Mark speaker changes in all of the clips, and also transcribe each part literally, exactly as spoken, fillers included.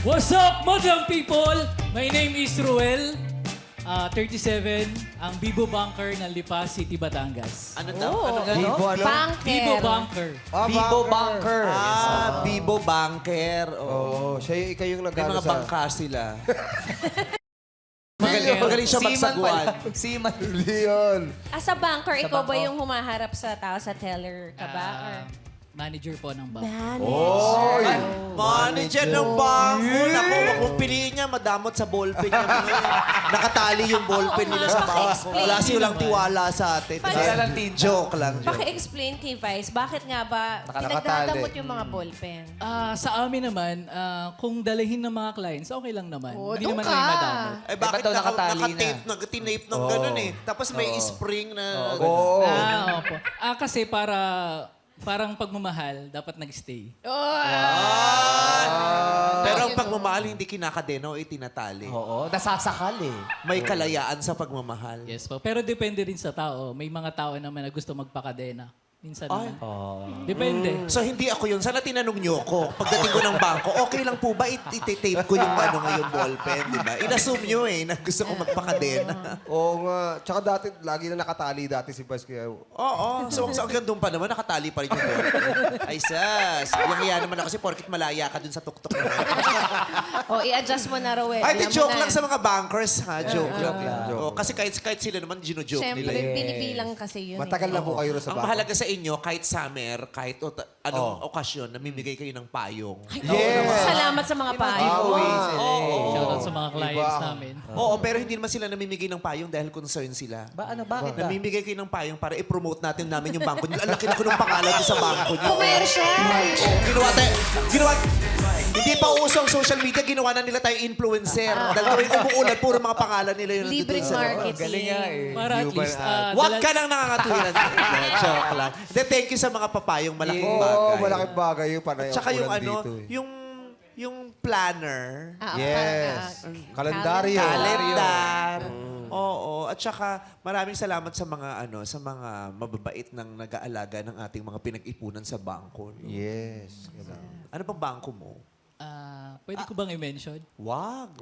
Speaker 1: What's up, madam people? My name is Ruel, uh, thirty-seven, ang Bibo Banker ng Lipa City, Batangas.
Speaker 2: Ano daw? Ano daw?
Speaker 3: Bibo, ano?
Speaker 4: Banker.
Speaker 1: Bibo Banker.
Speaker 3: Ah,
Speaker 2: Bibo
Speaker 3: banker.
Speaker 2: Banker. Ah, Bibo Banker. Oo.
Speaker 3: Oo, siya yung, ikaw yung
Speaker 2: May
Speaker 3: nagano
Speaker 2: mga
Speaker 3: sa...
Speaker 2: bangka sila. magaling, magaling siya magsaguan.
Speaker 5: Seaman.
Speaker 3: Hindi yun.
Speaker 4: As a banker, ikaw ba
Speaker 5: bangko.
Speaker 4: yung humaharap sa tao sa teller ka ba? Or?
Speaker 1: Ah, manager po ng bank.
Speaker 3: Oy!
Speaker 2: Manager ng bangko. Naku, wag mong piliin niya. Madamot sa ballpen niya. Nakatali yung ballpen nila sa bangko. Wala silang tiwala sa atin.
Speaker 5: Wala lang tinta.
Speaker 2: Joke lang. Joke.
Speaker 4: Paki-explain kay Vice, bakit nga ba
Speaker 3: Nakatali.
Speaker 4: pinagdadamot yung mga ballpen?
Speaker 1: Ah, sa amin naman, ah, kung dalahin ng mga clients, okay lang naman.
Speaker 4: Oh,
Speaker 1: Hindi
Speaker 4: doon
Speaker 1: naman
Speaker 4: ka.
Speaker 1: kami madamot.
Speaker 2: Eh bakit
Speaker 5: daw
Speaker 2: naka,
Speaker 5: nakatali
Speaker 2: naka-tape,
Speaker 5: na?
Speaker 2: nag-tinape ng gano'n eh. Tapos may spring na...
Speaker 3: Oo.
Speaker 1: Ah, opo. Ah, kasi para parang pagmamahal, dapat nag-stay.
Speaker 2: Ah. Pero ang pagmamahal hindi kinakadena o itinatali.
Speaker 5: Oo, nasasakal eh.
Speaker 2: May kalayaan sa pagmamahal.
Speaker 1: Yes po. Pero depende rin sa tao. May mga tao naman na gusto magpakadena. Minsan
Speaker 2: Ay.
Speaker 1: naman. Depende.
Speaker 2: So hindi ako yun. Sana tinanong niyo ko. Pagdating ko ng bangko, okay lang po ba it- iti-tape ko yung ano ngayong ballpen, di ba? Inassume niyo eh na gusto ko magpakadena.
Speaker 3: Oo nga. Tsaka dati, lagi na nakatali dati si Vice kaya...
Speaker 2: Oo. So sa hanggang doon pa naman, nakatali pa rin yung ballpen. Ay sas. Yung iya naman ako kasi porkit malaya ka dun sa tuktok na.
Speaker 4: O, i-adjust mo na, Rowell.
Speaker 2: Ay, di
Speaker 4: Alam mo
Speaker 2: joke
Speaker 4: na.
Speaker 2: lang sa mga bankers ha. Joke lang.
Speaker 3: lang.
Speaker 2: Oo, kasi kahit, kahit sila naman, gino-joke
Speaker 4: Siyempre,
Speaker 2: nila. eh.
Speaker 4: binibilang kasi yun.
Speaker 3: Matagal
Speaker 4: eh.
Speaker 3: na po kayo rin sa
Speaker 2: Ang
Speaker 3: bangko.
Speaker 2: mahalaga sa inyo, kahit summer, kahit ota- anong okasyon, namimigay kayo ng payong.
Speaker 3: Yes!
Speaker 4: Salamat sa mga payo.
Speaker 3: Always.
Speaker 1: Shoutout sa mga clients
Speaker 3: Iba.
Speaker 1: namin.
Speaker 2: Oo, pero hindi naman sila namimigay ng payong dahil concerned sila.
Speaker 5: Ba, ano, bakit ba?
Speaker 2: Namimigay kayo ng payong para i-promote natin namin yung bangko niyo. Ang laki na ko ng pangalan ko sa bangko niyo.
Speaker 4: Commercial!
Speaker 2: Ginawa tayo, ginawa, hindi pa uso ang social media, ginawa na nila tayong influencer. Dahil tuwing umuulan, puro mga pangalan nila yung
Speaker 4: Libre
Speaker 2: nandun sa...
Speaker 4: marketing.
Speaker 5: Galing nga eh.
Speaker 1: Para at least, ah,
Speaker 2: Huwag
Speaker 1: dala-
Speaker 2: ka nang nakakatuwiran. Joke lang. Hindi, thank you sa mga papayong malaking
Speaker 3: Oo,
Speaker 2: bagay.
Speaker 3: malaking bagay yung panay.
Speaker 2: Tsaka yung
Speaker 3: ulan
Speaker 2: ano,
Speaker 3: dito, eh.
Speaker 2: yung yung planner,
Speaker 4: Ah,
Speaker 3: Yes.
Speaker 4: parang, ah,
Speaker 3: Kalendaryo.
Speaker 2: calendar. Oo, at saka maraming salamat sa mga ano, sa mga mababait ng nag-aalaga ng ating mga pinag-ipunan sa bangko. no?
Speaker 3: Yes. Ganun.
Speaker 2: Ano bang bangko mo?
Speaker 1: Ah, pwede ko bang i-mention?
Speaker 2: Wag.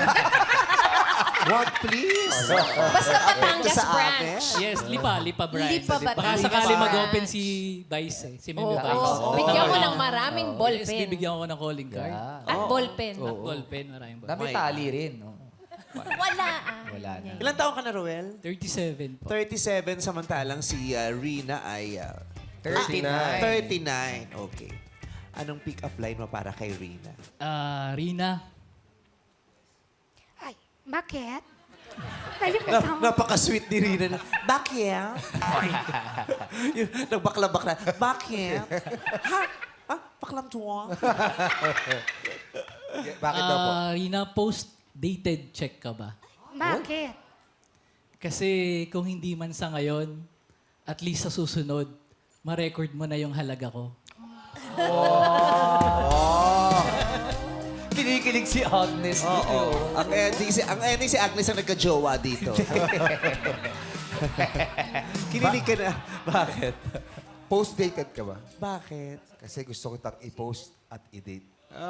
Speaker 2: Wag, please.
Speaker 4: Basta Batangas
Speaker 2: Sa
Speaker 4: branch.
Speaker 1: Yes, Lipa, Lipa Branch.
Speaker 4: Lipa
Speaker 1: Baka
Speaker 4: Batangas
Speaker 1: sakali
Speaker 4: Branch.
Speaker 1: mag-open si Vice eh, si Meme
Speaker 4: Oo,
Speaker 1: Vice.
Speaker 4: bigyan mo
Speaker 1: Ah,
Speaker 4: ng maraming
Speaker 1: Yes,
Speaker 4: ballpen.
Speaker 1: bibigyan ko ng calling card.
Speaker 5: Yeah.
Speaker 4: At ballpen.
Speaker 1: At ballpen, maraming ballpen.
Speaker 5: Dami tali rin. No?
Speaker 4: Wala ah.
Speaker 5: Wala na.
Speaker 2: Ilan taon ka na, Roel?
Speaker 1: thirty-seven po.
Speaker 2: thirty-seven, samantalang si uh, Rina ay... Uh,
Speaker 3: thirty-nine.
Speaker 2: thirty-nine. Okay. Anong pick-up line mo para kay Rina?
Speaker 1: Ah, Rina,
Speaker 6: Ay, bakit?
Speaker 2: Na,
Speaker 6: Nalimutan mo.
Speaker 2: napaka-sweet ni Rina. Na, bakit? Yung nagbakla-bakla. Bakit? Ha? Ha? Baklang tuwa?
Speaker 3: Bakit daw po?
Speaker 1: ah, Rina, post-dated check ka ba?
Speaker 6: Bakit?
Speaker 1: Kasi kung hindi man sa ngayon, at least sa susunod, ma-record mo na yung halaga ko.
Speaker 5: Kinikilig si Agnes.
Speaker 2: Oo. Ang ending si, ang ending si Agnes ang nagka-jowa dito. Kinilig ka na. Bakit?
Speaker 3: Post-dated ka ba?
Speaker 2: Bakit?
Speaker 3: Kasi gusto kitang i-post at i-date.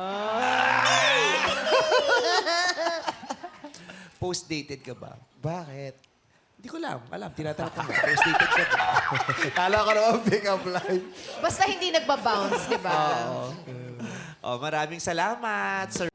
Speaker 2: Post-dated ka ba?
Speaker 3: Bakit?
Speaker 2: Hindi ko alam. Alam, tinatanong ko. Post-dated ka ba?
Speaker 3: Kala ko naman pick-up line.
Speaker 4: Basta hindi nagbabounce, di ba?
Speaker 2: Oh, maraming salamat, Sir